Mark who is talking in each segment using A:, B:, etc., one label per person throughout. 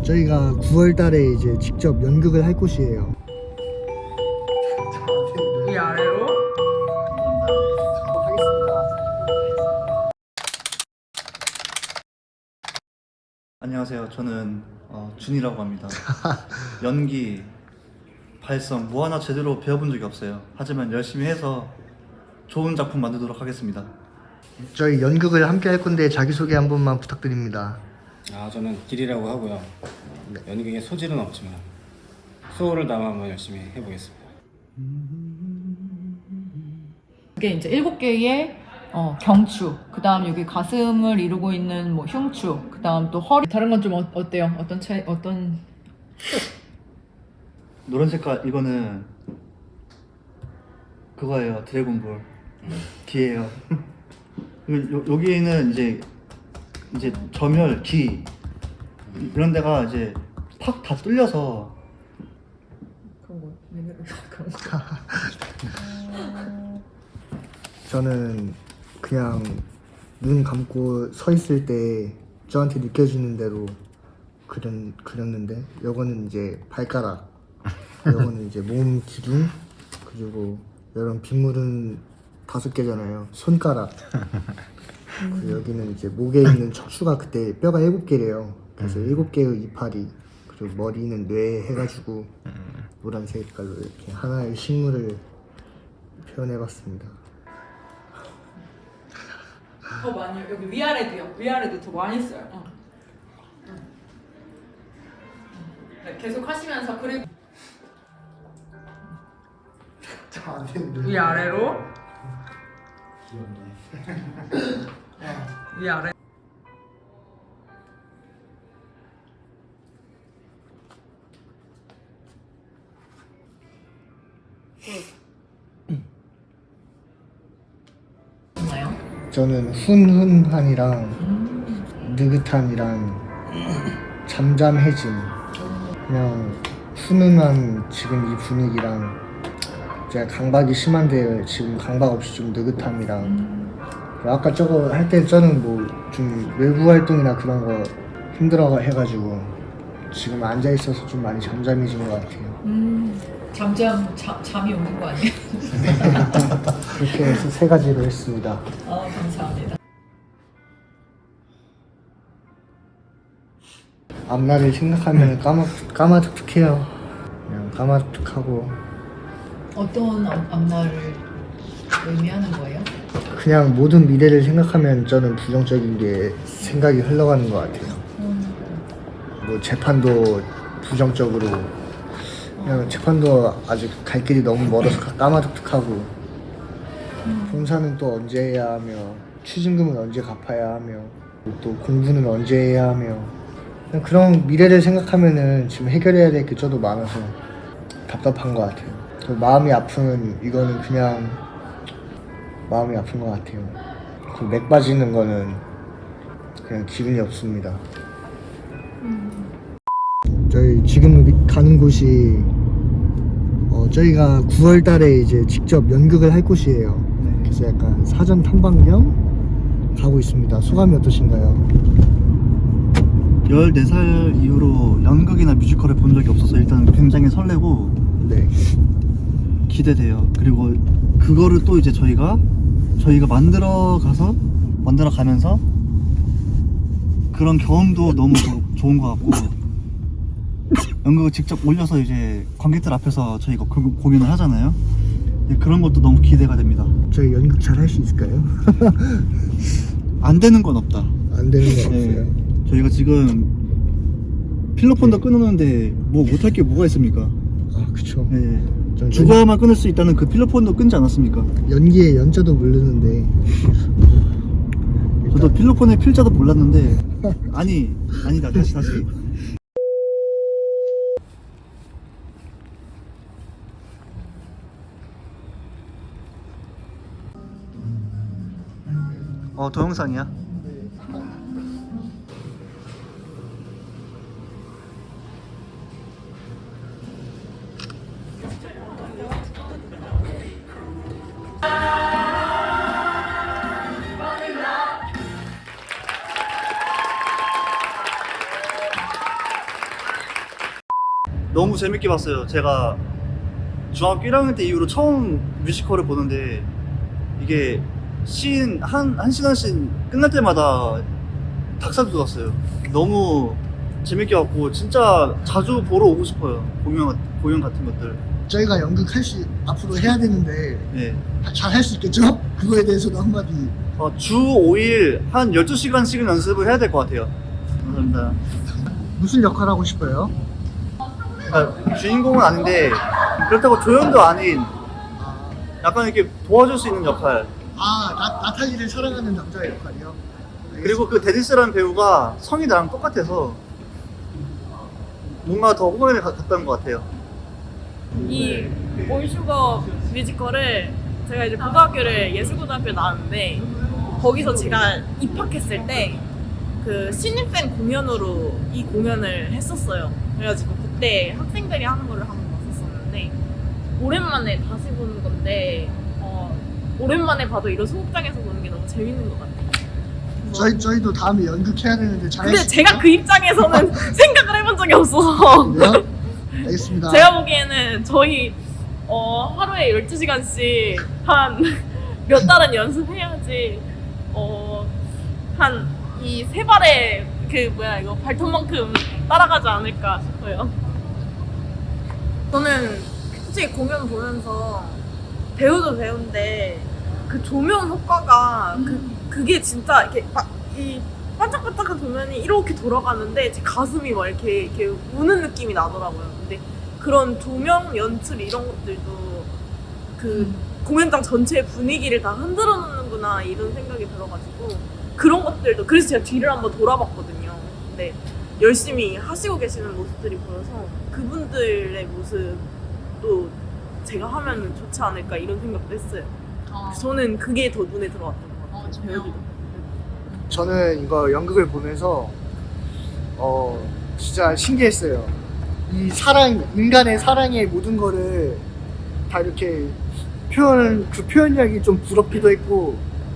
A: 저희가 9월 달에 이제 직접 연극을 할 곳이에요.
B: 이 아래로
C: 안녕하세요. 저는 준이라고 합니다. 연기, 발성 뭐 하나 제대로 배워본 적이 없어요. 하지만 열심히 해서 좋은 작품 만들도록 하겠습니다.
A: 저희 연극을 함께 할 건데 자기소개 한 번만 부탁드립니다.
D: 저는 길이라고 하고요. 연극에 소질은 없지만 소울을 담아 한번 열심히 해보겠습니다.
B: 이게 이제 7개의 경추, 그 다음 여기 가슴을 이루고 있는 뭐 흉추, 그 다음 또 허리. 다른 건 좀 어때요? 어떤 차이, 어떤?
C: 노란 색깔 이거는 그거예요. 드래곤볼 귀예요. 여기에는 이제 점혈, 귀 이런 데가 이제 팍 다 뚫려서
B: 그런 거, 그런 거.
A: 저는 그냥 눈 감고 서 있을 때 저한테 느껴지는 대로 그렸는데, 요거는 이제 발가락, 요거는 이제 몸 기둥, 그리고 이런 빗물은 5개잖아요. 손가락. 그리고 여기는 이제 목에 있는 척추가 그때 뼈가 7개래요. 그래서 7개의 이파리, 그리고 머리는 뇌 해가지고 노란 색깔로 이렇게 하나의 식물을 표현해봤습니다.
B: 더 많이, 여기 위아래도요. 위아래도 더 많이 써요. 네, 계속 하시면서 그리고 위아래로 위아래. 뭐요?
A: 저는 훈훈한이랑 느긋한이랑 잠잠해짐, 그냥 훈훈한 지금 이 분위기랑 제가 강박이 심한데 지금 강박 없이 좀 느긋함이랑, 아까 저거 할 때 저는 뭐 좀 외부 활동이나 그런 거 힘들어 해가지고 지금 앉아 있어서 좀 많이 잠잠해진 것 같아요.
B: 잠이 오는 거 아니에요?
A: 그렇게 해서 3가지로 했습니다.
B: 감사합니다.
A: 앞날을 생각하면 까마득득해요. 그냥 까마득득하고,
B: 어떤 앞날을 의미하는 거예요?
A: 그냥 모든 미래를 생각하면 저는 부정적인 게 생각이 흘러가는 것 같아요. 뭐 재판도 부정적으로, 그냥 재판도 아직 갈 길이 너무 멀어서 까마득득하고, 봉사는 또 언제 해야 하며, 추징금은 언제 갚아야 하며, 또 공부는 언제 해야 하며, 그냥 그런 미래를 생각하면은 지금 해결해야 될 게 저도 많아서 답답한 것 같아요. 마음이 아픈 이거는 그냥 마음이 아픈 것 같아요. 그 맥 빠지는 거는 그냥 기분이 없습니다. 저희 지금 가는 곳이 저희가 9월 달에 이제 직접 연극을 할 곳이에요. 그래서 약간 사전 탐방 겸 가고 있습니다. 소감이 어떠신가요?
C: 14살 이후로 연극이나 뮤지컬을 본 적이 없어서 일단 굉장히 설레고
A: 네.
C: 기대돼요. 그리고 그거를 또 이제 저희가 만들어 가면서 그런 경험도 너무 좋은 것 같고, 연극을 직접 올려서 이제 관객들 앞에서 저희가 공연을 하잖아요. 그런 것도 너무 기대가 됩니다.
A: 저희 연극 잘 할 수 있을까요?
C: 안 되는 건 없다.
A: 안 되는 거 없어요.
C: 저희가 지금 필로폰도 끊었는데 뭐 못할 게 뭐가 있습니까?
A: 아, 그쵸.
C: 네.
A: 전
C: 죽어야만 끊을 수 있다는 그 필로폰도 끊지 않았습니까?
A: 연기의 연자도 모르는데
C: 저도 필로폰의 필자도 몰랐는데 아니다 다시 동영상이야? 너무 재밌게 봤어요. 제가 중학교 1학년 때 이후로 처음 뮤지컬을 보는데 이게 한 시간씩 끝날 때마다 닭살 돋았어요. 너무 재밌게 봤고 진짜 자주 보러 오고 싶어요. 공연 같은 것들.
A: 저희가 연극 앞으로 해야 되는데
C: 네.
A: 잘 할 수 있겠죠? 그거에 대해서도 한마디.
C: 주 5일 한 12시간씩은 연습을 해야 될 것 같아요. 감사합니다.
A: 무슨 역할 하고 싶어요?
C: 그러니까 주인공은 아닌데 그렇다고 조연도 아닌 약간 이렇게 도와줄 수 있는 역할.
A: 나탈리를 사랑하는 남자의 역할이요?
C: 그리고 그 데니스라는 배우가 성이 나랑 똑같아서 뭔가 더 호감이 갔던 것 같아요.
E: 이 올슈거 뮤지컬을 제가 이제 고등학교를 예술고등학교에 나왔는데 거기서 제가 입학했을 때 그 신입생 공연으로 이 공연을 했었어요. 그래가지고 그때 학생들이 하는 거를 한번 봤었었는데 오랜만에 다시 보는 건데 오랜만에 봐도 이런 소극장에서 보는 게 너무 재밌는 것 같아요.
A: 저희도 다음에 연극해야 되는데 잘.
E: 근데 제가 그 입장에서는 생각을 해본 적이 없어서
A: 그래요? 알겠습니다.
E: 제가 보기에는 저희 하루에 12시간씩 한 몇 달은 연습해야지 한 이 세 발의 이거 발톱만큼 따라가지 않을까 싶어요. 저는 솔직히 공연 보면서 배우도 배우인데 그 조명 효과가 그게 진짜 이렇게 이 반짝반짝한 조명이 이렇게 돌아가는데 제 가슴이 막 이렇게 우는 느낌이 나더라고요. 근데 그런 조명 연출 이런 것들도 그 공연장 전체의 분위기를 다 흔들어 놓는구나 이런 생각이 들어가지고 그런 것들도 그래서 제가 뒤를 한번 돌아봤거든요. 근데 열심히 하시고 계시는 모습들이 보여서 그분들의 모습도 제가 하면 좋지 않을까 이런 생각도 했어요. 저는 그게 더 눈에 들어왔던 것 같아요. 배우들도.
A: 저는 이거 연극을 보면서 진짜 신기했어요. 이 인간의 사랑의 모든 거를 다 이렇게 그 표현력이 좀 부럽기도 했고,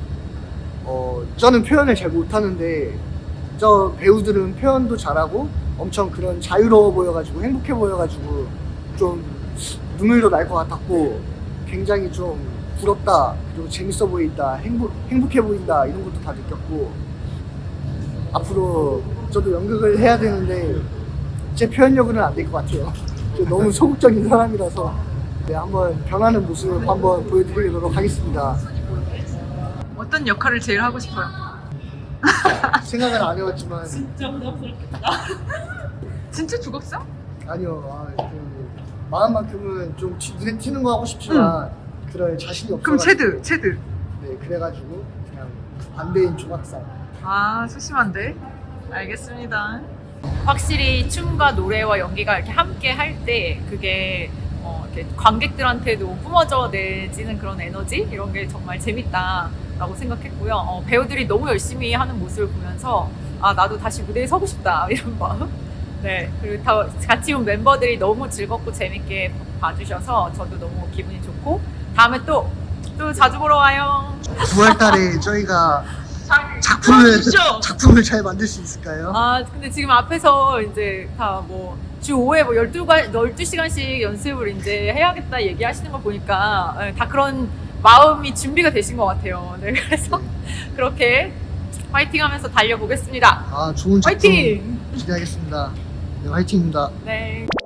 A: 저는 표현을 잘 못하는데 저 배우들은 표현도 잘하고 엄청 그런 자유로워 보여가지고 행복해 보여가지고 좀 눈물도 날 것 같았고 굉장히 좀 부럽다, 그리고 재밌어 보인다, 행복해 보인다 이런 것도 다 느꼈고, 앞으로 저도 연극을 해야 되는데 제 표현력으로는 안 될 것 같아요. 너무 소극적인 사람이라서. 네, 한번 변하는 모습 한번 보여드리도록 하겠습니다.
B: 어떤 역할을 제일 하고 싶어요?
A: 생각은 안 해봤지만
E: 진짜 부담스럽겠다.
B: 진짜 죽었어?
A: 아니요, 마음만큼은 좀 눈에 띄는 거 하고 싶지만 그럴 자신이 없어가지고.
B: 그럼 체드.
A: 네, 그래가지고 그냥 반대인 조각상.
B: 소심한데? 알겠습니다. 확실히 춤과 노래와 연기가 이렇게 함께 할 때 그게 이렇게 관객들한테도 뿜어져 내지는 그런 에너지 이런 게 정말 재밌다라고 생각했고요. 배우들이 너무 열심히 하는 모습을 보면서 나도 다시 무대에 서고 싶다 이런 마음. 네, 그리고 다 같이 온 멤버들이 너무 즐겁고 재밌게 봐주셔서 저도 너무 기분이 좋고 다음에 또 자주 보러 와요.
A: 9월달에 저희가 작품을 잘 만들 수 있을까요?
B: 근데 지금 앞에서 이제 다 주 5회 12시간씩 연습을 이제 해야겠다 얘기하시는 거 보니까 다 그런 마음이 준비가 되신 것 같아요. 네, 그래서 그렇게 화이팅 하면서 달려보겠습니다.
A: 좋은 작품
B: 화이팅!
A: 기대하겠습니다. 네, 화이팅입니다.
B: 네.